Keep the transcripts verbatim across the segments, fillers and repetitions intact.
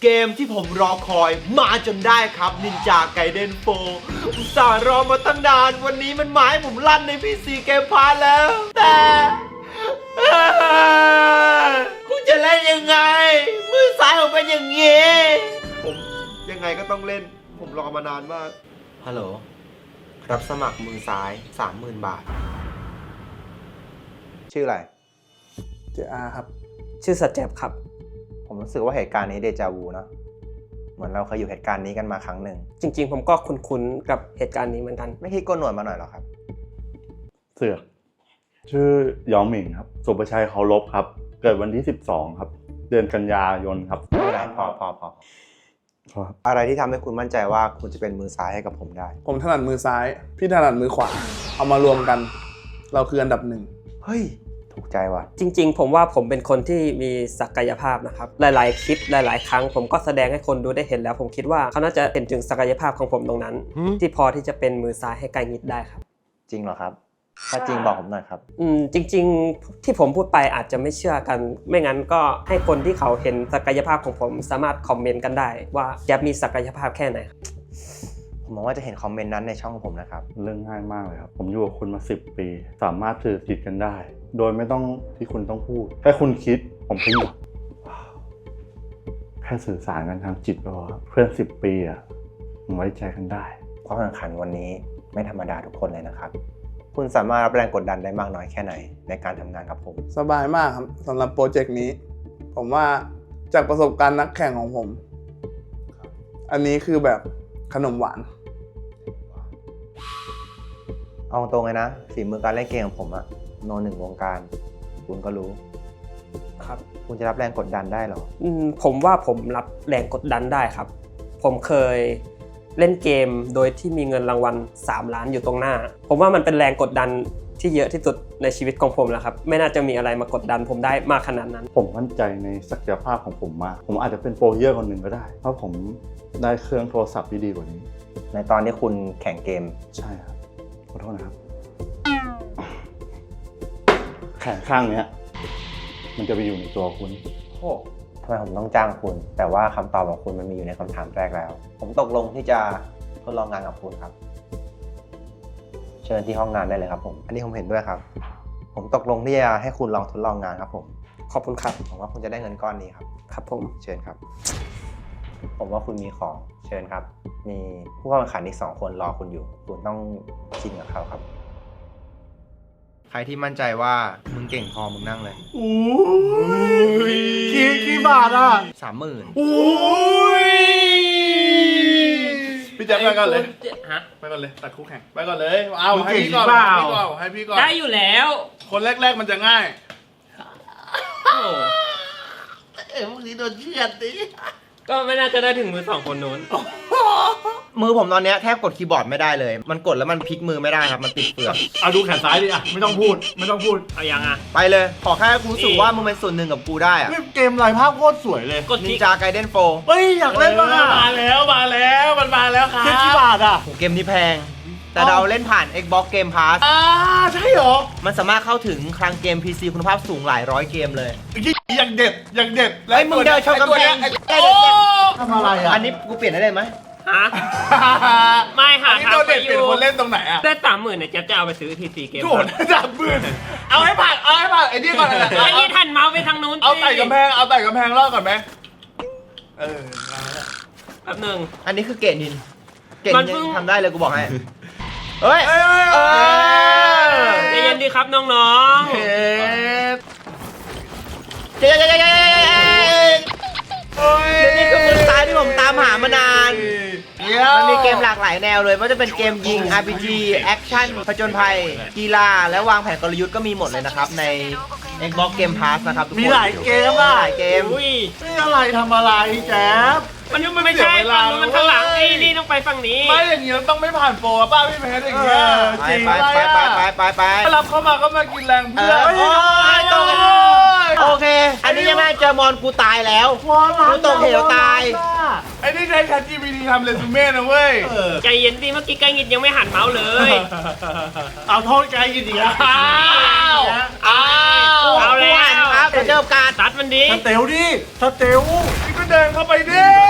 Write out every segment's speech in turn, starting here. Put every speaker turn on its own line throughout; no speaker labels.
เกมที่ผมรอคอยมาจนได้ครับ Ninja Gaiden โฟร์อุตส่าห์รอมาตั้งนานวันนี้มันมาให้ผมลั่นใน พี ซี เกมพาร์แล้ว แต่คุณจะเล่นยังไง มือซ้ายผมเป็นอย่างงี้ ผมยังไงก็ต้องเล่น ผมรอมานานมาก ฮัลโหล รับสมัครมือซ้าย สามหมื่น บาท ชื่ออะไร
เจอาครับ
ชื่อสัจแจบครับ
ผมรู้สึกว่าเหตุการณ์นี้เดจาวูเนอะเหมือนเราเคยอยู่เหตุการณ์นี้กันมาครั้งหนึ่ง
จริงๆผมก็คุ้นๆกับเหตุการณ์นี้เหมือนกัน
ไม่คิดโกนหนวดมาหน่อยหรอครับ
เสือกชื่อยองหมิงครับสุประชัยเคารพครับเกิดวันที่สิบสองครับเดือนกันยายนครับ
ไม่ได้พอพอพอ
ครับ
อะไรที่ทำให้คุณมั่นใจว่าคุณจะเป็นมือซ้ายให้กับผมได้
ผมถนัดมือซ้าย พี่ถนัดมือขวา เอามารวมกัน เราคืออันดับหนึ่ง
เฮ้ย ถูกใจว่ะ
จริงๆ ผมว่าผมเป็นคนที่มีศักยภาพนะครับหลายๆคลิปหลายๆครั้งผมก็แสดงให้คนดูได้เห็นแล้ว ผมคิดว่าเขาน่าจะเห็นถึงศักยภาพของผมตรงนั้น
หืม
ที่พอที่จะเป็นมือซ้ายให้ไกลงิดได้ครับ
จริงเหรอครับ ถ้าจริงบอกผมหน่อยครับ
อืมจริงๆที่ผมพูดไปอาจจะไม่เชื่อกัน ไม่งั้นก็ให้คนที่เขาเห็นศักยภาพของผมสามารถคอมเมนต์กันได้ว่าจะมีศักยภาพแค่ไหน
ผมหวังว่าจะเห็นคอมเมนต์นั้นในช่องของผมนะครับ
เรื่องง่ายมากเลยครับผมอยู่กับคุณมาสิบปี สามารถสื่อจิตกันได้ โดยไม่ต้องที่คุณต้องพูดแค่คุณคิดผมก็หยุดว้าวแค่สื่อสารกันทางจิตก็พอครับเพื่อนสิบปีอ่ะมันไว้ใจกันได้
ความแข่งขันวันนี้ไม่ธรรมดาทุกคนเลยนะครับ คุณสามารถรับแรงกดดันได้มากน้อยแค่ไหนในการทำงานกับผม
สบายมากครับสำหรับโปรเจกต์นี้ ผมว่าจากประสบการณ์นักแข่งของผม อันนี้คือแบบขนมหวาน
เอาตรงเลยนะฝีมือการเล่นเกมของผมอะโนหนึ่งวงการ คุณก็รู้
ครับ
คุณจะรับแรงกดดันได้เหรอ
อืมผมว่าผมรับแรงกดดันได้ครับ ผมเคยเล่นเกมโดยที่มีเงินรางวัลสามล้านอยู่ตรงหน้า ผมว่ามันเป็นแรงกดดันที่เยอะที่สุดในชีวิตของผมแล้วครับไม่น่าจะมีอะไรมากดดันผมได้มากขนาดนั้น
ผมมั่นใจในศักยภาพของผมมากผมอาจจะเป็นโปรเยอร์คนหนึ่งก็ได้เพราะผมได้เครื่องโทรศัพท์ที่ดีกว่านี้
ในตอนที่คุณแข่งเกม
ใช่ครับขอโทษนะครับแขนข้างเนี้ยมันจะไปอยู่ในตัวคุณ
โอ้ทำไมผมต้องจ้างคุณ แต่ว่าคำตอบของคุณมันมีอยู่ในคำถามแรกแล้ว ผมตกลงที่จะทดลองงานกับคุณครับ เชิญที่ห้องงานได้เลยครับผม อันนี้ผมเห็นด้วยครับ ผมตกลงที่จะให้คุณลองทดลองงานครับผม
ขอบคุณครับ
ผมว่าคุณจะได้เงินก้อนนี้ครับ
ครับผม
เชิญครับ ผมว่าคุณมีของ เชิญครับ มีผู้เข้าแข่งขันอีกสองคนรอคุณอยู่ คุณต้องชิงกับเขาครับ ใครที่มั่นใจว่ามึงเก่งพอมึงนั่งเลย
โอ้ยกี่กี่บาทอ่ะ
สามหมื่น
โอ้ยพี่แจ๊คไปก่อนเลย
ฮะ
ไปก่อนเลยตัดคู่แข่งไปก่อนเลยเอา
มึง
ให้
เก่ง
พี่ก่อน
หรือเปล่า
ให้พี่ก่อนให้พี่ก่อน
ได้อยู่แล้ว
คนแรกๆมันจะง่าย
โอ้
เอ้พวกนี้โดนเชือดดิ
ก็ไม่น่าจะได้ถึงมือสองคนนู้น
มือผมตอนนี้แทบกดคีย์บอร์ดไม่ได้เลย มันกดแล้วมันพลิกมือไม่ได้ครับ มันติดเปลือก
เอาดูแขนซ้ายดิอ่ะไม่ต้องพูดไม่ต้องพูด
เอายังอ่ะ
ไปเลย ขอแค่กูรู้สึกว่ามึงเป็นส่วนหนึ่งกับกูได้อะ
นี่เกมลายภาพโคตรสวยเลย
กด
นิ
ทิ
น
ก
จาไกเดนโฟ
เฮ้ยอยากเล่นบ้างอ่ะมาแล้วมาแล้วมันมาแล้วครับกี่บาทอ่ะ
เกมนี้แพง แต่เราเล่นผ่าน Xbox Game Pass
อ่าใช่หรอ
มันสามารถเข้าถึงคลังเกม พี ซี คุณภาพสูงหลายร้อยเกมเลย
อย่างเด็ดอย่างเด็ด
เฮ้ยมึงเดินชนกำแพง
ไอ้ตัวเนี้ยไอ้โอ้ทำอะไรอ่ะ
อันนี้กูเปลี่ยนได้เลยไหม
ฮะ ไม่หา
อันนี้
ทาง
ตัว
ไป
เด็ด
อ
เป็น
ยู่
คนเล่นตรงไหนอ่ะ
ได้สามหมื่นเนี่ยเจ๊บจะเอาไปซื้อพีซีเกม
โกรธจับมือเอาให้ผ่านเอาให้ผ่านไอ้นี่ก่อนนะ
ไอ้นี่ทันเมาส์ไปทางนู้น
เอาไต่กำแพงเอาไต่กำแพงรอบก่อนไหมเออ
แป๊บหนึง
อันนี้คือเกตนิน เกต
มัน
นิ
เพิ่
น
ง
ทำได้เลยกูบอกให้ เฮ้ย
เอ้ย
เออ
ใจเย็นดีครับน้อง
เฮ้ยเจ๊เจ๊เจ๊เจ๊เฮ้ยนี่คือมือซ้ายที่ผมตามหามานาน มันมีเกมหลากหลายแนวเลยว่าจะเป็นเกมยิง อาร์ พี จี แอคชั่น ผจญภัย กีฬา และวางแผนกลยุทธ์ก็มีหมดเลยนะครับใน Xbox Game Pass นะครับทุกคน
มีหลายเกมอ่ะ
หลายเกม
ๆอุ้ย
นี่อะไรทำอะไรแจ๊บ
มันไม่ใช่ฝั่งนู้นมันข้างหลังนี่นี่ต้องไปฝั่งนี้
ไม่อย่างนี้เราต้องไม่ผ่านโปรอะป้าพี่แพทอย่างเงี้ย
ไป
จริง
ไป
อะไร
ไป
อะ
ไปไปไป
ถ้ารับเข้ามาก็มากินแรง
เอ
เพื่อ
อน โอ้ยตกโอเค อันนี้ยังไม่เจอมอนกูตายแล้วกูตกเหวตาย
ไอ้นี่ใช้ แชท จี พี ที ทำเรซูเม่นะเว้ย
ใจเย็นดิเมื่อกี้ไกลงิดยังไม่หันเมาส์เลย
เอาโทษไกลกินอีกแล้ว
อ้าวอ้าวเอาแล้ว
ครับเดี๋ยวเจอการ
ตัดมันดิ
สเตลดิสเตลนี่ก็เดินเข้าไปดิ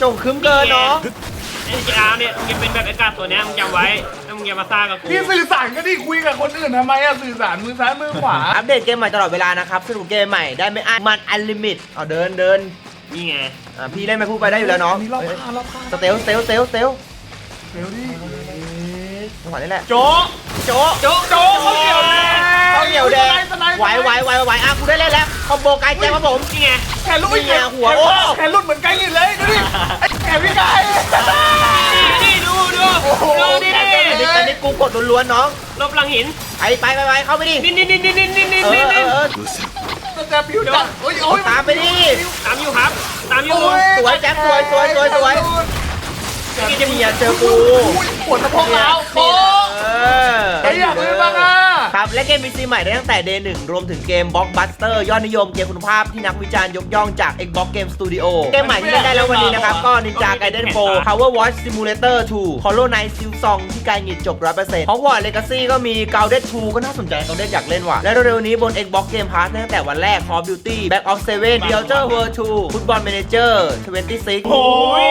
จงคืมเกินเนาะ
ไอ้จีอาร์เนี่ยมึงจะเป็นแบบไอ้กาตัวเนี้ยมึงจำไว้แล้วมึงอย่ามาซ่ากับกู
พี่สื่อสารก็ดิคุยกับคนอื่นทำไมอะสื่อสารมือซ้ายมือขวา
อัปเดตเกมใหม่ตลอดเวลานะครับสนุกเกมใหม่ได้ไม่อั้นมันอันลิมิตเอาเดินเดิน
นี่ไง
อ่ะพี่เล่นไปพูดไปได้อยู่แล้วน้อง
นี่รอบข้างรอบข้าง
สเตลสเตลสเตลสเตล
เร็วดิ
จังหวะนี้แหละ
โจ๊ะ
โจ๊ะ
โจ๊ะโจ๊ะเขาเกี่ยวเลย
ข้าวเหนียวแดงไหวไหวไหวไหวอ่ะกูได้เล่นแล้วคอมโบไกด์แจ็คครับผม
นี่ไง
แขนลุกไอ้
นี่ไงหัวโอ้
แขนลุดเหมือนไก่ลินเลยดูดิไอ้แขนพี่ไก่
นี่นี่ดูดูดูดิ
อันนี้อันนี้กูกดล้วนๆน้อง
ลบหลังหิน
ไปไปไปไปเข้าไปดิ
นี่นี่นี่นี่นี่นี่
เอ
นี่
อเอ
นี่
อเออ
มันจะผิวจัดโอ้ยโอ้ย
ตามไปดิ
ตามอยู่ครับ ตามอยู่
สวยแจ็คสวยสวยสวยสวยนี่จะมีอย่าเจอกู
ปวดสะโพกแล้วโอ้
เออ
ไอ้อยากเล่นบ้างอ่ะ
ครับและเกม พี ซี ใหม่ได้ตั้งแต่ เดย์ หนึ่งรวมถึงเกม Blockbuster ยอดนิยมเกมคุณภาพที่นักวิจารณ์ยกย่องจาก Xbox Game Studio เกมใหม่ที่เล่นได้แล้ววันนี้นะครับ ก็ Ninja Gaiden โฟร์ Power Watch Simulator ทู Hollow Knight Silksong ที่การหงิดจบ ร้อยเปอร์เซ็นต์ Hogwarts Legacy ก็มี Grounded ทู ก็น่าสนใจ Grounded อยากเล่นว่ะและเร็วๆนี้บน Xbox Game Pass ตั้งแต่วันแรก Call of Duty Black Ops เซเว่น The Outer Worlds ทู Football Manager ทเวนตี้ซิกซ์
โอ้ย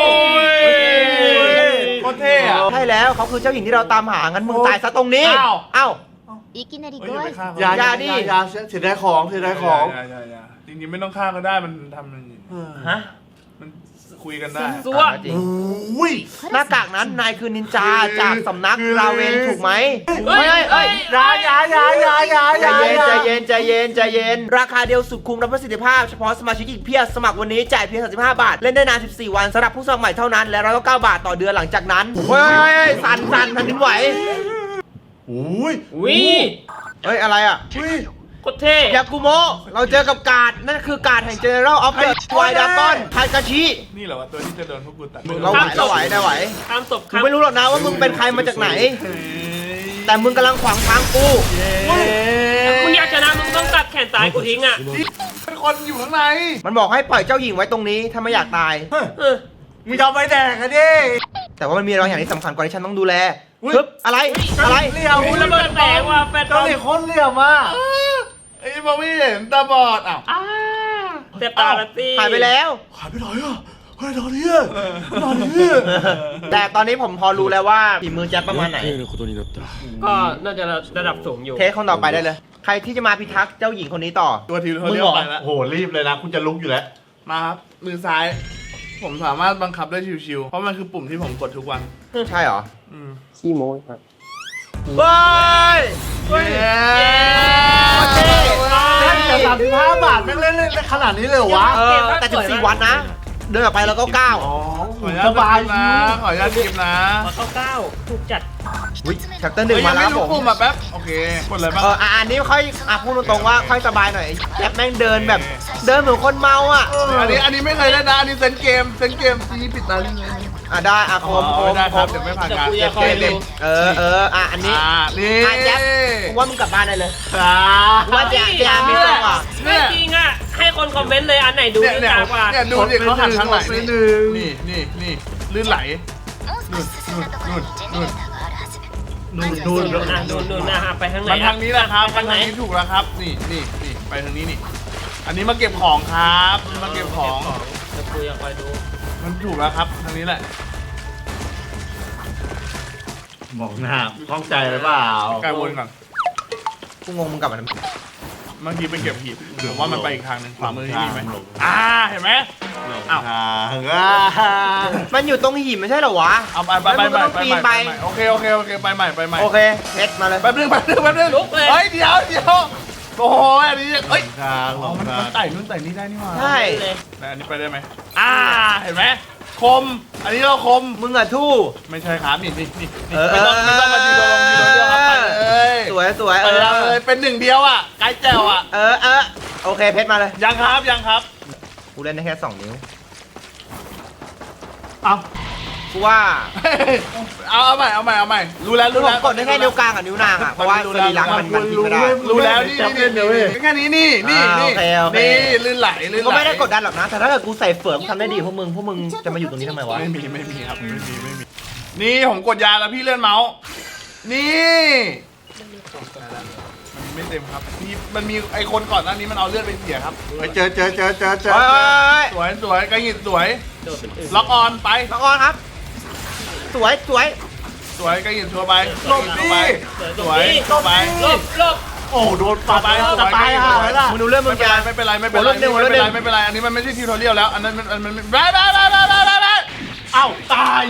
โคตรเท่อะ
ใช่แล้วเขาคือเจ้าหญิงที่เราตามหางั้นมึงตายซะตรงนี้
อ้าว
เอ้า
いきなり
เฮ้ย
ご
อย่าไป
挨拶
ฆ่าเขา
อย่า
อย่าดิ
อย่าเสียดายของเสียดายของ
อย่าอย่าอย่าจริงๆไม่ต้องฆ่าก็ได้มันทำอย่างนี้
ฮะ
มันคุยกันได้
ซัว
อ่ะจริง
อุ้ย
หน้ากากนั้นนายคือนินจา
คือ
จากสำนัก
คือ
ราเวนถูกไหม
เฮ้ยเฮ้ยเฮ้ย
อย่าอย่าอย่าอย่าอย่าอ
ใจ
ย่า
เย็นใจเย็นใจเย็นใจเย็น ราคาเดียวสุดคุ้มรับประสิทธิภาพเฉพาะสมาชิกอีกเพียบสมัครวันนี้จ่ายเพียงสามสิบห้าบาท เล่นได้นานสิบสี่วันสำหรับผู้สมัครใหม่เท่านั้น และหนึ่งร้อยเก้าสิบเก้าบาทต่อเดือนหลังจากนั้นเฮ้ยสั่นสั่นแผ่นดินไหว
อุ้ย
วิ
เฮ้ยอะไรอ่ะ
อุ้ย
โคตรเท่
ยากุโมะเราเจอกับการ์ดนั่นคือการ์ดแห่ง General of the White Dragon ไทกาชิ
นี่เหรอวะตัวที่จะโดนพวกกูตัด
เราไหวเราไหวได้ไหว
ตามศพค
กู
รับ
ไม่รู้หรอกนะว่ามึงเป็นใครมาจากไหน แต่มึงกำลังขวางทางกู
มึงอยากชนะมึงต้องตัดแขนซ้ายกูทิ้งอ่ะ
เป็นคนอยู่ข้างใน
มันบอกให้ปล่อยเจ้าหญิงไว้ตรงนี้ถ้าไม่อยากตาย
เออ
มึงจะเอาไปแดกกันดิ
แต่ว่ามันมีบางอย่างที่สำคัญกว่าที่ฉันต้องดูแล
อุ๊ย
ปึ๊บอะไรอะไร
เหลี่ยม
อุ้ยระเบิดแตกว่ะแฟนบ
เจ้า
อล
หลิคนเหลี่ยมอ่ะ
ไอ้มองไม่เห็นตาบอดอ้าว
เจ็บตาละสิ
หายไปแล้ว
หายไปไหนอ่ะเฮ้ยนอนนี่นอนนี่
แต่ตอนนี้ผมพอรู้แล้วว่าฝีมือแจ็คประมาณไหน
ก็น่าจะระดับสูงอยู่
เทสคนต่อไปได้เลย ใครที่จะมาพิทักษ์เจ้าหญิงคนนี้ต่อ
ตัวทีมเขา
มึง
เรีย
เหร
ก
อ
ไปแล้ว
โอ้โหรีบเลยนะคุณจะลุกอยู่แล้ว
มาครับมือซ้าย ผมสามารถบังคับได้ชิวๆเพราะมันคือปุ่มที่ผมกดทุกวัน
ใช่เหรอ
อืม
ขี้โม้ครับ
เฮ้ย
เฮ้ย
เท่
แค่แต่สามสิบห้าบาทไม่งเล่นเล่นขนาดนี้เลยเหรอวะ
เออแต่สิบสี่วันนะ เดินออกไปแล้วก็ก้าว
อ๋อ
ขออนุญา
ส
ต
บาย
นะ ขออนุญาตทีมนะ
มาเข้าเก้าถูกจัด
วิแชปเตอร์หนึ่ง
เฮ้ย
มา
ยัง
แล้
ไม่
ว
รู้
ผม
ปุ่มอ่ะแป๊บ โอเค กดอะไรบ้าง
เอออ่ะอันนี้ค่อยอ่ะพูดตรงๆว่าค่อยสบายหน่อยแจ็คแม่งเดินแบบ เดินเหมือนคนเมาอ่ะ
อันนี้อันนี้ไม่เคยเล่นนะ อันนี้เซนเกม เซนเกมซีปิดตาลิงเลย
อ่ะได้อ่ะโคมโคม
ได้
โค
ครับ
ม
เดี๋ยวไม่ผ่านการ
เดี๋ยวกูจะคอยดู
เออเอออ่ะอันนี้
อ่านี่
อ่ะแจ็คกูว่ามึงกลับบ้านได้เลย
อ่า
ว่าแจ็คแจ็คมีจังหวะ
ไม่จริงอ่ะ ให้คนคอมเมนต์เลยอันไหนดู
เนี่ย
ดี
เนี่ย
กว่า
เนี่ยดูดิเขาหันทางไหน
กดไป
นี่
หนึ่ง
นี่นี่นี่ลื่นไหล
もう少し進んだところにジェネレーターがあるはず
นู่นนู่น
ดูนะดูดูนะฮะไปทางไหน
มันทางนี้แหละครับ
ไป
มัน
ทางไหน
ทางนี้ถูกแล้วครับ นี่นี่นี่ไปทางนี้นี่ อันนี้มาเก็บของครับมาเก็บของ
เดี๋ยวกูอยากไปดู
มันถูกแล้วครับ ทางนี้แหละ
มองหน้าคล่องใจหรือเปล่า
กายวนก่อน
กูงงมึงกลับมาทำไม
บางทีไปเก็บหีบหรือว่ามันไปอีกทางหนึ่งขวามือที่นี่ไหม
หลง
อ่า เห็นไหม อ้าว
ทางอ่ะ
มันอยู่ตรงหินไม่ใช่เหรอวะ
เอาไปไปไป
แล้วมึงก็
ไป
ต้อง
ไป
ปีน
ไป
ไป
โอเคโอเคโอเคไปใหม่ไปใหม่
โอเคเพชรมาเลย
แป๊บนึงแป๊บนึงแป๊บนึง
ลุกเลย
เฮ้ยเดี๋ยวเดี๋ยวโอ้โหอันนี้เอ้ย
ทางหล
อ๋อง มัน
ทา
มัน
ง
ไต่นู่นไต่นี่ได้นี่หว่า
ใช่
เลย
แล้วอันนี้ไปได้ไหมอ่า เห็นไหมคม อันนี้เราคม
มึงอะทู่
ไม่ใช่ครับนี่นี่นี่นี่
เออ
ไม่ต้องไม่ต้องมาทีละลงทีละเดียวครับไปเลย
สวยสวย
ไป
เอ
เลย
อ
เป็นหนึ่งเดียวอ่ะไกด์แจ๋วอ่ะ
เออเออโอเคเพชรมาเลย
ยังครับยังครับ
กูเล่นได้แค่สองนิ้ว
เอา
กูว่า
เอาเอาใหม่เอาใหม่เอาใหม่รู้แล้ว
กู
รู้แล้ว
กดได้แค่นิ้วกลางกับนิ้วนางอะเพราะว่าสรีระมันมันทิ้งไม่ได้
รู้แล้วนี่นี่นี่แค่นี้นี่นี่นี่
อ่าโอเคโอเค
นี่ลื่นไหลลื่นไหล
ก็ไม่ได้กดดันหรอกนะ แต่ถ้าเกิดกูใส่เฟือกทำได้ดีพวกมึงพวกมึงจะมาอยู่ตรงนี้ทำไมวะ
ไม่มีไม่มีครับไม่มีไม่มีนี่ผมกดยาแล้วพี่เลื่อนเมาส์นี่มันไม่เต็มครับมีมันมีไอคนก่อนหน้านี้มันเอาเลือดไปเสียครับ
ไปเจอเจอเจอเจอเจอ
เฮ้ย
สวยสวยกระหิดสวย
โดดเป็นอื่น
ล็อกออนไป
มังกรครับ สวยสวย
สวยก็ยินชัวร์ไปหลบดิสวย
หล
เข้า
บ
ไป
หลบหลบ
โอ้โดนปาไปจะตายห่าแล้วล่ะ
มึงดูเรื่องมึ
ไม่
ง
เป็น
แก
ไรไม่เป็นไรไม่เป็นไร
หัว
ไม่
เริ่มเดิมหัวเริ่ม
เป็น
เดิ
ไร
ม
ไม่เป็นไรอันนี้มันไม่ใช่ทิวทอเรียลแล้วอันนั้นมันมันมันได้ได้ได้ได้ได้เอ้าตาย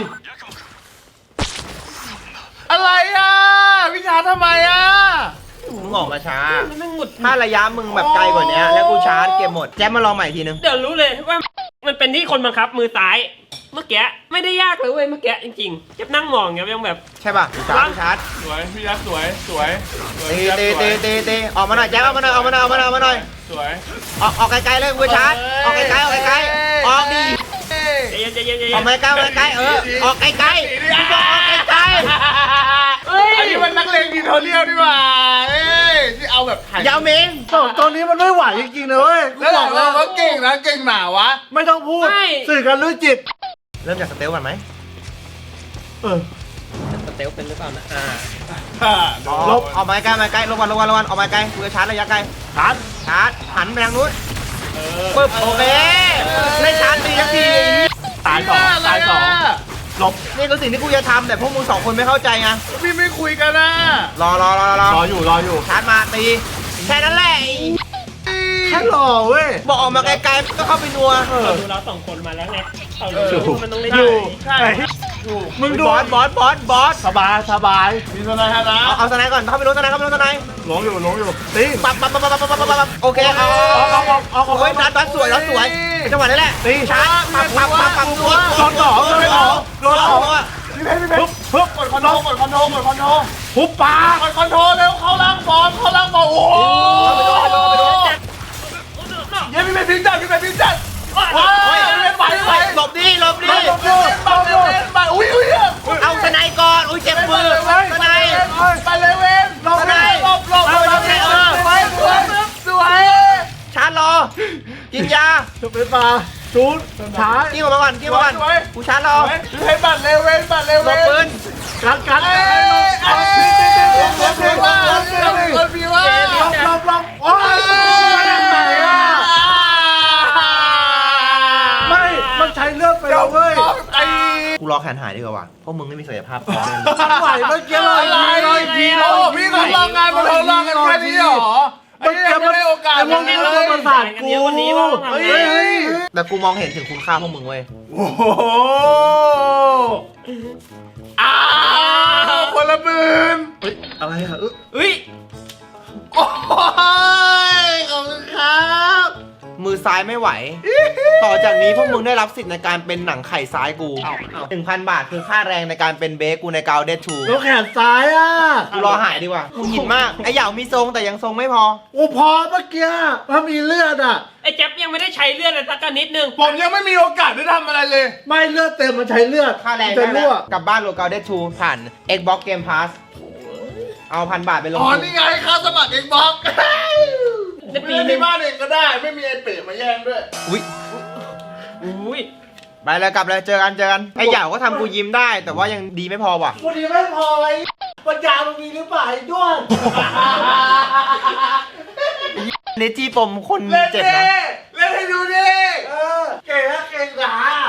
อะไรอ่ะวิชาทำไมอ่ะ
มึงออกมาช้า
มันไม่หมุด
ถ้าระยะมึงแบบไกลกว่านี้แล้วกูชาร์จเกมหมด แจ๊บมาลองใหม่อีกทีนึง
เดี๋ยวรู้เลยว่ามันเป็นที่คนบังคับมือซ้าย เมื่อกี้ไม่ได้ยากเลยเว้ยเมื่อกี้จริงๆเจ็บนั่งมองอย่างเงี้ยยังแบบ
ใช่ป่ะกูชาร์จกูชาร์จ
สวยพี่ยักษ์สวยสวยสวย
ตี
พี่ยักษ์
ตี
สว
ตี
ย
ตีตีออกมาหน่อยแจ๊บออกมาหน่อยออกมาหน่อยออกมาหน่อยออกมาหน่อยออกมาหน่อย
สวย
ออกออกไกลๆเลยกูชาร์จออกไกลๆออกไกลๆออกดี
ใจเย็นใจเย็นใจ
อ
เย็
อก
น
มาใกล้ออกมาใกล้เออออกไกลๆกูบอกออกไกล
เฮ้ย
อันนี้มันนักเลงทิวทอเรียลดีกว่าเอ้ยที่เอาแบบถ่าย
ๆยาวเมง
สองตัวนี้มันไม่ไหวจริงๆนะเว้ย
แล้วบอกเราว่าเก่งนะเก่งหนาวะ
ไม่ต้องพูด สื่อกันรู้จิต
เริ่มจากสเตลก่อนไหม
เออ
สเตลเป็นหรือเปล่านะอ่า
ลบออกมาใกล้มาใกล้ลงวันลงวันลงวันออกมาใกล้กูจะชาร์จระยะไกล
ชาร์จ
ชาร์จหันไปทางนู้นปึ๊บโอเคไม่ชาร์จดีสักที
ตายสองตายสองหลบ
นี่คือสิ่งที่กูจะทำแต่พวกมึงสองคนไม่เข้าใจไง
พี่ไม่คุยกันนะ
รอรอรอรอ
รออยู่รออยู่
ชาร์จมาตีแค่นั้นแหละไอ้
แค่หล่อเว้ย
บอกออกมาไกลๆก็เข้าไปนัว
เราดูเราสองคนมาแล้วไงเรารู้มันต้องเล่น
อยู่
ใช่
ไอ้ มึงดู
บอสบอสบอสบอส
สบายสบาย
มีทนายฮะนะ
เอาเอาสไนด์ก่อนเข้าไปรู้สไนด์เข้าไปรู้สไนด์
หลงอยู่หลงอยู่ตี
ปั๊บปั๊บปั๊บปั๊บปั๊บปั๊บปั๊บโอเคเอา
เอาเอาเอาเอาเอา
โอ้ยนัดนัดสวยนัดสวยจังหวะนี้แหละ
ตี
ชาร์จปั๊บปั๊บปั๊บปั๊บตัว
โดนต่อโดนต่อโดนต่อ
พี่เพชรพี่เพชรปึ๊บกดคอนโทรลกดคอนโทรลกดคอนโทรล
หุบปาก
กดคอนโทรลเร็วเข้าล่างบอลเข้าล่างบอลโอ้โหเย้พี่เพชรพิงจัดพี่เพชรพิงจัดว้าวพี่เพชรไหวไหว
หลบดิหลบดิ
หลบดูหลบดูไปอุ้ยอุ้ย
เอาสไนด์ก่อนอุ้ยเจ็บมือสไนด์
ไปเลยเว้นหลบเลยหลบหลบหลบสวยสวยสวย
ชาร์จรอกินยา
จะเป็นปลาชูดช้า
กิ้งออกมาก่อนกิ้งออกมาก่อนกูชาร์จรอ
พี่เพชรบัตรเลเว้นบัตรเล
หล
เว้
บ
น
ปืน
กันกัน
เอ้ยเอ้ยเอ้ยว่าคนพี่ว่า
ลบลบลบโอ้ยมาจากไหนอ่ะไม่ มันใช้เลือดไปแล้วเว้ย
ไอ้
กูรอแขนหายดีกว่าว่ะเพราะมึงไม่มีศักยภาพพอ
มันไหวเมื่อกี้เลย
อะไรโอ้พี่ทดลองงานมาทดลองกันแค่นี้เหรอไอ้ยังไม่ได้โอกาส
ไอ้พวกนี้มันประสาทกู
วันนี้ว่าทำ
เฮ้
ไง
ย
แต่กูมองเห็นถึงคุณค่าพวกมึงเว้ย
โอ้โหอ้าวคนละหมื่น
อะไรอ่ะ
เฮ้ย
โอ้ยขอบคุณครับ
มือซ้ายไม่ไหว ต่อจากนี้พวกมึงได้รับสิทธิ์ในการเป็นหนังไข่ซ้ายกูหนึ่งพันบาทคือค่าแรงในการเป็นเบสกูในกาวเดทชู
แล้วแขนซ้ายอ่ะ
กูรอหายดีกว่ากูหยินมากไอ้เหยามีทรงแต่ยังทรงไม่พอ
โอ้พอเมื่อกี้ถ้ามีเลือดอ่ะ
ไอ้แจ๊บยังไม่ได้ใช้เลือดเลยสักนิดนึง
ผมยังไม่มีโอกาสได้ทำอะไรเลย
ไม่เลือดเต็มมันใช้เลือด
ค่าแรง
จะ
ได้แล้
รั่
ว
ว
กลับบ้านโลกาวเดทชูผ่าน Xbox Game Pass เอาพันบาทไปลง
อ๋อ
ทุน
นี่ไงค่าสมัครเอ็กบ็อก
ในปี
ปี
หนึ
นี้
ง
บ้านเองก็ได้ ไม่มีไอ้เป๋มาแย่งด้วย
อุ้ย
อุ้ย
ไปเลยกลับเลยเจอกันเจอกันไอ้เหยาก็ทำกูยิ้มได้ แต่ว่ายังดีไม่พอว่ะ
วันนี้ไม่พอไอ้ปัญญามันมีหรือเปล่าไอ้ด้วน
เนจี้ปมคน
เล่น
เจ็บ
ดิ
นะ
เล่นให้ดูดิ
เออเก่งนะเก่งหนา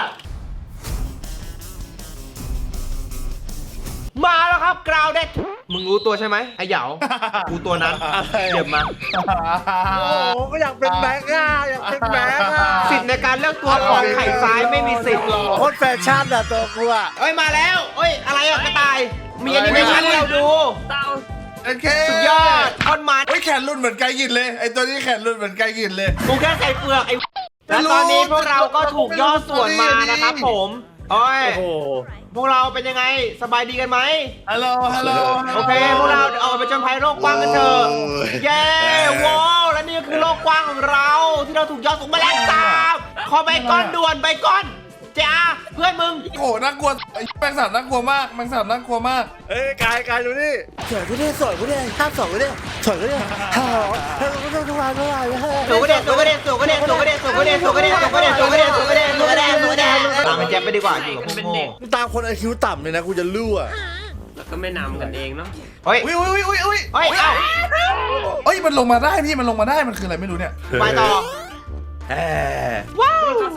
มาแล้วครับกราวเด็ดมึงรู้ตัวใช่ไหมไอ้เหยากูตัวนั้นเดี๋ยวมา
โอ้โหก็อยากเป็นแบงค์อ่ะอยากเป็นแบงค์อ่ะ
สิทธิ์ในการเลือกตัวของไข่ซ้ายไม่มีสิทธิ์
โคตรแฟชั่นอ่ะตัวกูอ่ะ
เอ้ยมาแล้วเอ้ยอะไรอะกระต่าย มีแอนิเมชั่นให้เราดู
เต้า
โอเค
สุดยอดคอนมัน
เฮ้ยแขนรุ่นเหมือนไก่กินเลย ไอ้ตัวนี้แขนรุ่นเหมือนไก่กินเลย
กูแค่ใส่เปลือกไอ้และตอนนี้พวกเราก็ถูกย่อส่วนมานะครับผมโอ้ย
โอ้โห
พวกเราเป็นยังไงสบายดีกันไหม
ฮัลโหล ฮัลโหล
โอเคพวกเราเดี๋ยวออกไปจนภัยโลกกว้างกันเถอะเย้ว้าวและนี่ก็คือโลกกว้างของเรา ที่เราถูกย่อส่งมาแล้วสามขอใบก้อนด่วนใบก้อนจ้าเพื่อนมึง
โอ้โหน่ากลัวไอ้แมงสาบน่ากลัวมากแมงสาบน่ากลัวมาก
เอ้ยกายกายดูนี่สวยกูดิสวยกูดิห้ามสวยกูดิสวยกูดิฮ่าฮ่ากูต้องทุกวันทุกวัน
สูกระเด็นสูกระเด็นสูกระเด็นสูกระเด็นสูกระเด็นสูกระเด็นสูกระเด็นสูกระเด็นสูกระเด็นสูกระเด็นสูกระเด็นตามไปแจ๊บไปดีกว่าอยู่กับพวกโง่
มึงตามคนไอคิวต่ำเลยนะกูจะลู่อ่ะ
แล้วก็ไม่นำกันเองเนาะ
เฮ้ย
อุ้ยอุ้ยอุ้ยอุ้ย
เฮ้ยเอ้า
เอ้ยมันลงมาได้พี่มันลงมาได้มันคืออะไรไม่รู้เนี่ย
ไปต่อ
ว้าวส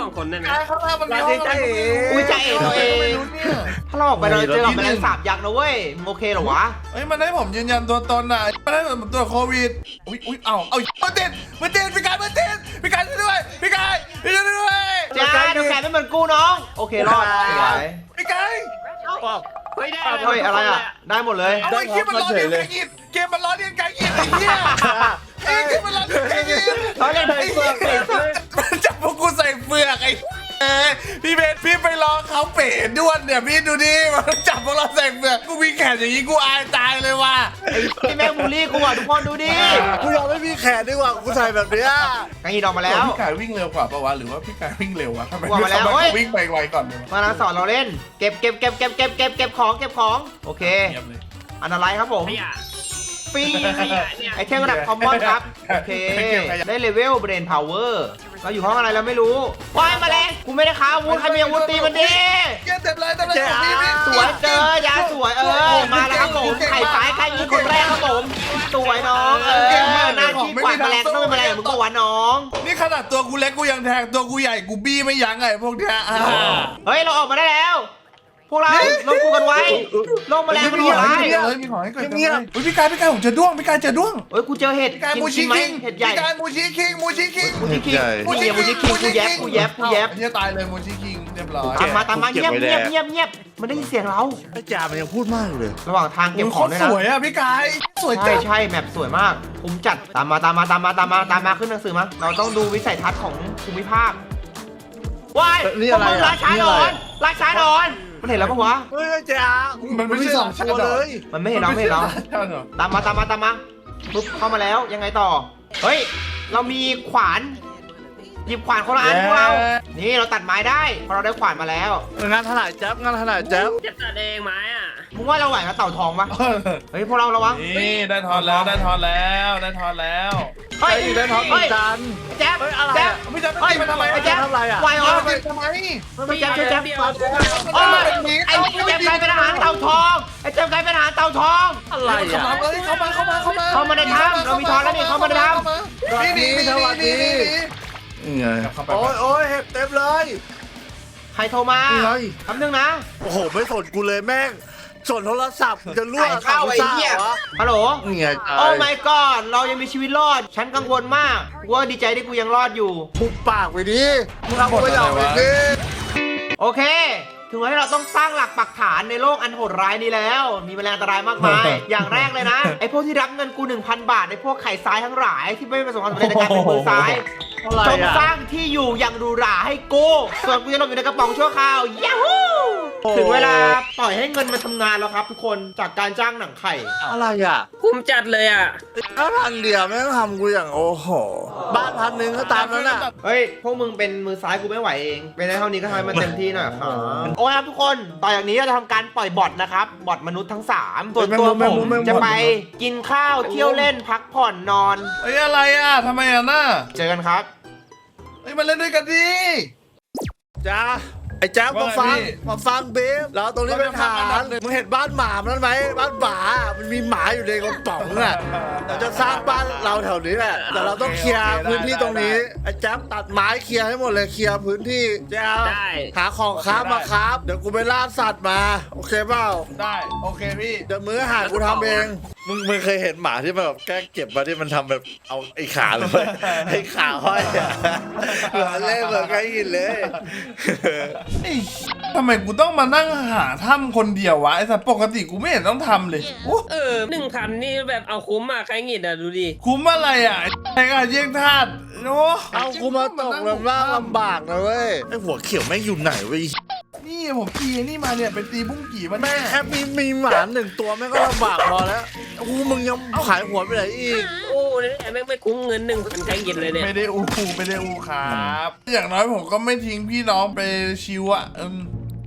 องคนได้ไหม
ข้างล่างมันมีห้องอะไร
อุ้ยใจเอ๋ตัวเอง
ไม่รู้เนี่ย
ถ้าเราออกไปเราเจอกับแมลงสาบยักษ์นะเว้ยมึงโอเคเหรอวะ
เฮ้ยมันให้ผมยืนยันตัวตนอ่ะมันให้ผมตรวจโควิดอุ้ยอุ้ยเอ้าเอามันติดมันติดพี่กายมันติดพี่กายช่วยด้วยพี่กายช่วยด้วย
จ้าเดี๋ยวแกไม่เหมือนกูน้อง โอเครอดสวย
พี่กาย
เฮ้ยได้
เฮ้ยอะไรอ่ะ ได้หมดเลย
เอาไอ้เกมมันล้อเลียนไก่ยินเกมมันล้อเลียนไก่ยินไอ้เหี้ยไอ้เกมมันล้อเลียนไก่ยิน
เขาเล่นไอ้เฟือกไอ้เฟือก
มันจับพวกกูใส่เฟือกไอ้เอ้ยพี่เบนพี่ไปรอเขาเป๋ด้วนเนี่ยพี่ดูดิมันจับพวกเราใส่เฟือกกูมีแขนอย่างนี้กูอายตายเลยว่ะ
พี่แม่งบูลลี่กูอ่ะทุกคนดูดิ
กูยอมไม่มีแขนดีกว่ากูใส่แบบเนี้ย
กังยีดออกมาแล้ว
พี่กายวิ่งเร็วกว่าปะวะหรือว่าพี่กายวิ่งเร็ววะทำไม
ว่ามาแล้ว
ทำไม
เฮ้ย
เขาวิ่งไปไวก่อนเลยวะ
มาแล้วสอนเราเล่น เก็บเก็บเก็บเก็บเก็บเก็บเก็บของเก็บของ โอเค
เงียบเลย
อันอะไรครับผม
ขยะ
ฟรี
ขยะเนี่ย
ไอเทมระดับคอมมอนครับ โอเค ได้เลเวลเบรนพาวเวอร์เราอยู่ห้องอะไรเราไม่รู้ว้ายมาแรงกูไม่ได้ค้าอาวุธใครมีอาวุธตีมันดิ
เก็บเต็มเลยเต็มเลยพี่พี่
สวยเจอยาสวยเออ มาแล้วครับผมไข่สายใครยิงคนแรกครับผม สวยน้องเออหน้าที่กวาดแมลงต้องเป็นแมลงเหมือนกูวะน้อง
นี่ขนาดตัวกูเล็กกูยังแทงตัวกูใหญ่กูบี้ไม่ยั้งไงพวกเนี้ยอ่า
เฮ้ยเราออกมาได้แล้ว พวกเราลงกูกันไว้ลงแมลงมันหัวร้าย
เลยมีของให้เกิดเงียบๆพี่กายพี่กายผมเจอด้วงพี่กายเจอด้วง
เฮ้ยกูเจอเห็ด
พี่กาย
กิน
มู
กิ
ชิ
นไหม
คิง
เห็ดใหญ่
พี่กายมูชิคิงมูชิคิง
มูชิคิงนี่มูชิคิงกูแยบกูแยบกูแยบ
อันนี้ตายเลยมูชิคิงเรียบร้อย
ตามมาตามมาเงียบเงียบเงียบเงียบมันได้ยินเสียงเรา
ไอ้จ่ามันยังพูดมากเลย
ระหว่างทางเก็บของด้วย
ส
นะ
วยอ่ะพี่กายสวย
ใช่
จัง
ใช่แมปสวยมากผมจัดตามมาตามมาตามมาตามมาตามมาขึ้นหนังสือมาเราต้องดูวิสัยทัศน์ของภูมิภาคว้าย
นี่อะไร
พวกมึง
อ่ะ
ราชา
นี่
น
อะไร
อนราชานอนมันเห็นแล้วปะวะ
เฮ้ยไอ้จ่า
มันไม่ใช่สอง
ตั
ตัว ว
เล
เลย ย
มันไม่เห็นเราไม่เห็นเรา ตามมาตามมาตามมาปุ๊บเข้ามาแล้วยังไงต่อ เฮ้ย เรามีขวาน หยิบขวานคนละอันพวกเรา นี่เราตัดไม้ได้เพราะเราได้ขวานมาแล้ว
งานถนัดแจ๊บงานถนัดแจ๊บ
จะตัดเองไหมอ่ะ
มึงว่าเราไหวกับเต่าทองปะเฮ้ยพวกเราระวัง
นี่ได้ทอนแล้วได้ทอนแล้วได้ทอนแล้ว
เฮ้ย
ไอ้ได้ท้องเหมือนกัน
แจ๊บ
เฮ้ยอะไร
แจ๊บ
อ่ะ
ไม่จำ
เฮ้ย
ไม่ทำไม
ไอ้แจ๊บ
ทำอะไรอ่ะ
ไหวเหรอ
ไม่ทำไม
ไม่แจ๊บช่วยแจ๊บ
เดียว
โอ้ยไอ้แจ๊บกลายเป็นอาหารเต่าทองไอ้แจ๊บกลายเป็นอาหารเต่าทอง
อะไร
เข้า
อ่ะ
มาเอ้ยเข้ามาเข้ามาเข้ามา
เข้ามาในถ้ำเรามีทอนแล้วนี่เข้ามาในถ้ำ
นี่นี่นี่นี่นี่
นี่ไงโอ้ยโอ้ยเห็บเต็มเลย
ใครโทรมา
นี่ไง
คำนึงนะ
โอ้โหไม่สนกูเลยแม่งสนโทรศัพท์จะรั่ว
ไข่ข้าวไอ้เหี้ย
วะ
ฮัลโหล
นี่ไง
โอ้ my god เรายังมีชีวิตรอด ฉันกังวลมากกูว่าดีใจที่กูยังรอดอยู่
ปุบปากไปดิมึงเอาไปอย่างไปดิ
โอเค ถึงเวลาที่เราต้องสร้างหลักปักฐานในโลกอันโหดร้ายนี้แล้ว มีแมลงอันตรายมากมาย อย่างแรกเลยนะ ไอ้พวกที่รับเงินกู หนึ่งพัน บาท ไอ้พวกไข่ซ้ายทั้งหลายที่ไม่ประสบความสำเร็จในการเป็นมือซ้าย
อะไร
จง
อ่ะ
สร้างที่อยู่อย่างหรูหราให้กู ส่วนกูจะหลบอยู่ในกระป๋องชั่วคราวยัฮู ถึงเวลาปล่อยให้เงินมันทำงานแล้วครับทุกคน จากการจ้างหนังไข่
อะไรอ่ะ
คุ้มจัดเลยอ่ะ
ถ้าพันเดียวแม่งทำกูอย่างโอ้โหบ้านพันหนึ่งก็ตามนั้นอ่ะ
เฮ้ย พวกมึงเป็นมือซ้ายกูไม่ไหวเอง เป็นได้เท่านี้ก็ทำให้มันเต็มที่หน่อยครับโอ้ยครับทุกคน ต่อจากนี้เราจะทำการปล่อยบอทนะครับ บอทมนุษย์ทั้งสามส่วนตัวผมจะไปกินข้าวเที่ยวเล่นพักผ่อนนอน
เฮ้ยอะไรอ่ะทำไมอ่ะน่า
เจอกันครับ
เฮ้ยมาเล่นด้วยกันดิ
จ้าไอ้แจ๊บมาฟัง
ว่าไงพี่
มาฟังเบฟเราตรงนี้เป็นฐานมึงเห็นบ้านหมามันไหมบ้านหมามันมีหมาอยู่ในกระป๋องอ่ะเราจะสร้างบ้านเราแถวนี้แหละแต่เราต้องเคลียร์พื้นที่ตรงนี้ไอ้แจ๊บตัดไม้เคลียร์ให้หมดเลยเคลียร์พื้นที่แจ๊บ
ได้
หาของค้ามาครับเดี๋ยวกูไปล่าสัตว์มาโอเคเปล่า
ได้โอเคพี่
เดี๋ยวมื้ออาหารกูทำเองมึงมึงเคยเห็นหมาที่มันแบบแกล้งเก็บมาที่มันทำแบบเอาไอ้ขาเลย ไอ้ขาห้อยอะเหมือนเล่นเหมือนใครหินเลย
เอ้ยทำไมกูต้องมานั่งหาถ้ำคนเดียววะไอ้สัตว์ปกติกูไม่เห็นต้องทำเลยโอ้
เออหนึ่งพันนี่แบบเอาคุ้มอ่ะใครหงิดอ่ะดูดิ
คุ้มอะไรอ่ะไอ้การเยี่ยงทาสโอ้
เอากูมาตกลำล่างลำบากนะเว้ยไอ้หัวเขียวแม่งอยู่ไหนเว้ย
นี่ผมตีนี่มาเนี่ยเป็นตีบุ้งกี่มัน
แม่งแค่มีมีหมาหนึ่งตัวแม่งก็ลำบากพอแล้วกูมึงยังขายหัวไปไหนอีก
โอ้เนี่ยแม่งไม่คุ้มเงินหนึ่งพันใครหงิดเลยเนี่ย
ไม่ได้อูไม่ได้อูครับ อย่างน้อยผมก็ไม่ทิ้งพี่น้องไปชิวอ่ะอืม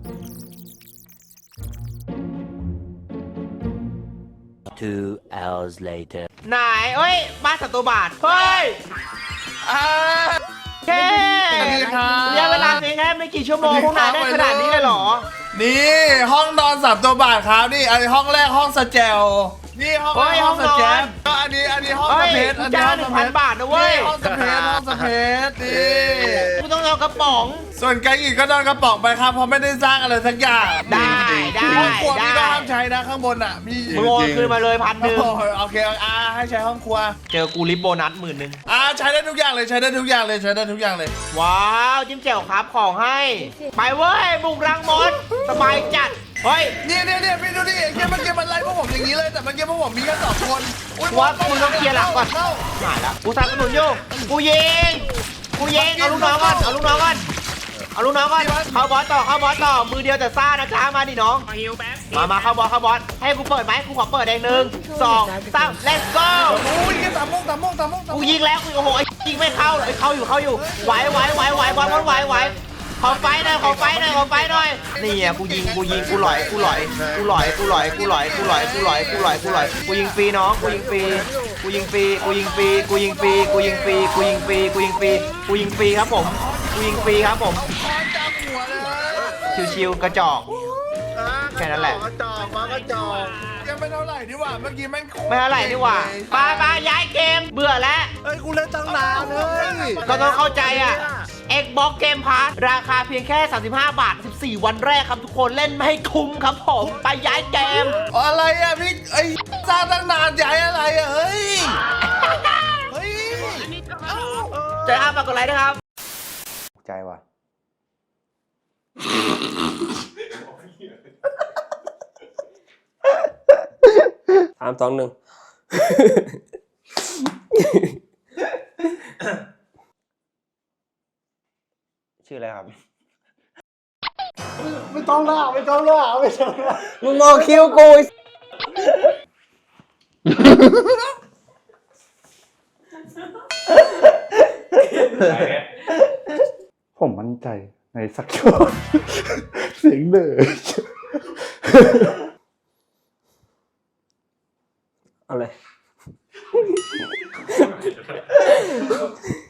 Two hours later.
ไหนเอ้ย บ้านสัตว์บาท เฮ้ย
อ่า
แค่
สวัสดีครับ
ระยะเวลาเพียงแค่ไม่กี่ชั่วโมงพวกนายได้ขนาดนี้เลยเหรอ
นี่ห้องนอนสามตัวบาทครับนี่อันนี้ห้องแรกห้องสแจลนี่ห้อง
เฮ้ย
ห้อง
ห้
ส
องนอน
แจลก็อันนี้อันนี้ห้อง
เฮ้
ส
ย
เพชร
กู
อันนี้
จ้าง
ห้อง
หนึ่
ส
ง
เพ
พัน
ชร
บาทนะเว้ย
นี่ห้องสเพชรห้องสเพชรนี่
กูต้องเอากระป๋อง
ส่วนไกด์อีกก็โดนกระป๋องไปครับเพราะไม่ได้สร้างอะไรสักอย่าง
ได้ได้
ห้องครัวพี่ก็
ได้
ห้ามใช้นะข้างบนอ่ะมี
มึงโอนคืนมาเลยพันหนึ่ง
โอ้ยโอเคอ่าให้ใช้ห้องครัว
เจอกูริบโบนัสหมื่นหนึ่ง
อ่าใช้ได้ทุกอย่างเลยใช้ได้ทุกอย่างเลยใช้ได้ทุกอย่างเลย
ว้าวจิ้มแจ่วครับของให้ ไปเว้ยบุกรังมดสบายจัด เฮ้ย
เนี่ยเนี่ยเนี่ยพี่ดูดิเกมเมื่อกี้มันไล่พวกผมอย่างนี้เลยแต่เมื่อกี้พวกผมมีแค่สองคนอุ๊ย
ว่ามึงต้องเคลียร์หลังก่อน
เข้า
หายละกูสนับสนุนอยู่กูยิงกูยิงเอาลูกน้องก่อนเอาลูกน้องก่อนเอาลูกน้องก่อนเข้าบอสต่อเข้าบอสต่อมือเดียวแต่ซ่านะจ๊ะมาดิน้อง
ขอฮิวแป๊บ
มามาเข้าบอสเข้าบอสให้กูเปิดไหมกูขอเปิดเองหนึ่งสองสาม let's go
อุ้ยแค่สามโมงสามโมงสามโมงสามโม
กู
ง
ยิงแล้วกูโอ้โหไอ้ยิงไม่เข้าเลยเข้าอยู่เข้าอยู่ไหวไหวไหวไหวบอลบอลไหวไหวขอไฟหน่อยขอไฟหน่อยขอไฟหน่อยนี่อ่ะกูยิงกูยิงกูหลอยกูหลอยกูหลอยกูหลอยกูหลอยกูหลอยกูหลอยกูหลอยกูหลอยกูยิงฟรีน้องกูยิงฟรีกูยิงฟรีกูยิงฟรีกูยิงฟรีกูยิงฟรีกูยิงฟรีกูยิงฟรีกูยิงฟรีครับผมกูยิงฟรีครับผม
คอนจับหัวเลย
ชิวๆกระจอก แค่นั้นแหละ
กระจอกมากระจอก
ยังไม่เท่าไหร่ดีกว่าเมื่อกี้แม่งโคต
ไม่เท่าไหร่ดีกว่าไปไปย้ายเกมเบื่อแล้ว
เฮ้ยกูเล่นตั้งนานเลย
ก็ต้องเข้าใจอ่ะ Xbox Game Pass ราคาเพียงแค่ สามสิบห้า บาท สิบสี่ วันแรกครับทุกคนเล่นไม่ให้คุ้มครับผม ไปย้ายเกม
อะไรอ่ะพี่ไอ้สร้างตั้งนานย้ายอะไรอ่ะเฮ้ยเฮ้ย
เจอครับฝากกดไลค์ด้วยครับ
ใจว่ะ
สามสองหนึ่ง
ชื่ออะไรครับ
ไม่ต้องล่าไม่ต้องล่าไม่ต้องล่า
มึงมองคิวกู
ผมมั่นใจในสักช็อต เสียงเดือด
อะไร